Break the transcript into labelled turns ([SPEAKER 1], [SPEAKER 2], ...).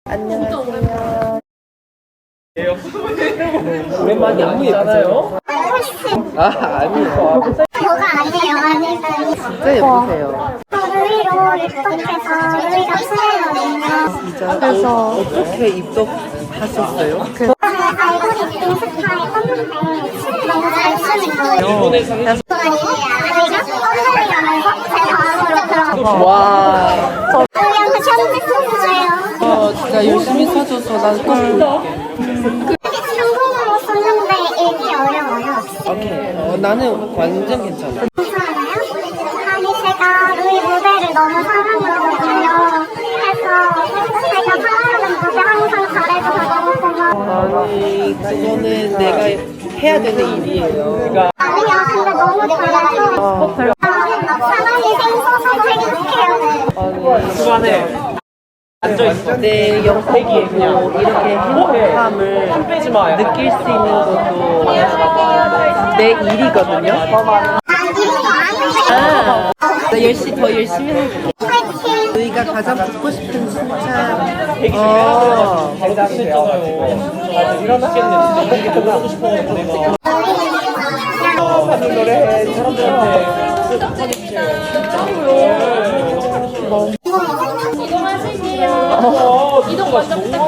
[SPEAKER 1] 안녕하세요.
[SPEAKER 2] 오랜만에 안무 예쁘잖아요.
[SPEAKER 1] 아니에요.
[SPEAKER 3] 뭐가 아니에요, 아니에요.
[SPEAKER 1] 진짜 예쁘세요.
[SPEAKER 3] 루이로 입덕해서 루이가 추해거든요.
[SPEAKER 1] 진짜. 그래서 어떻게 입덕하셨어요?
[SPEAKER 3] 알고리즘 스타일 떴는데 너무 잘 쓰는 거예요.
[SPEAKER 2] 일본에서 해서
[SPEAKER 3] 루이가 뻔뻔하면서 제 마음으로 들어.
[SPEAKER 1] 와.
[SPEAKER 3] 루이한테 편지 썼어요.
[SPEAKER 1] 진짜 열심히 써줘서 난 꼭 볼게.
[SPEAKER 3] 한국어로 썼는데 읽기 어려워요.
[SPEAKER 1] 오케이. 나는 완전 괜찮아.
[SPEAKER 3] 괜찮아요? 아니 제가 루이 무대를 너무 사랑하거든요. 그래서 제가 사랑하는 무대 항상 잘해줘서 너무 고마워요.
[SPEAKER 1] 아니, 그거는 내가 해야 되는 일이에요.
[SPEAKER 3] 아니야 근데 너무 잘해서 사랑이 생소해서 행복해요.
[SPEAKER 2] 중간에 앉아있어.
[SPEAKER 1] 내 영택이 그냥 이렇게 행복함을
[SPEAKER 2] 빼지 마.
[SPEAKER 1] 느낄 수 있는 것도 내 일이거든요. 나 더 열심히 할게. 너희가 가장 듣고 싶은 칭찬.
[SPEAKER 2] 당장이잖아요. 일어나겠네. 이렇게 또 하고 싶어가지고 내가 하는 노래 사람들한테
[SPEAKER 3] 이거 하실게요.
[SPEAKER 2] 이동 먼저 부탁드릴게요.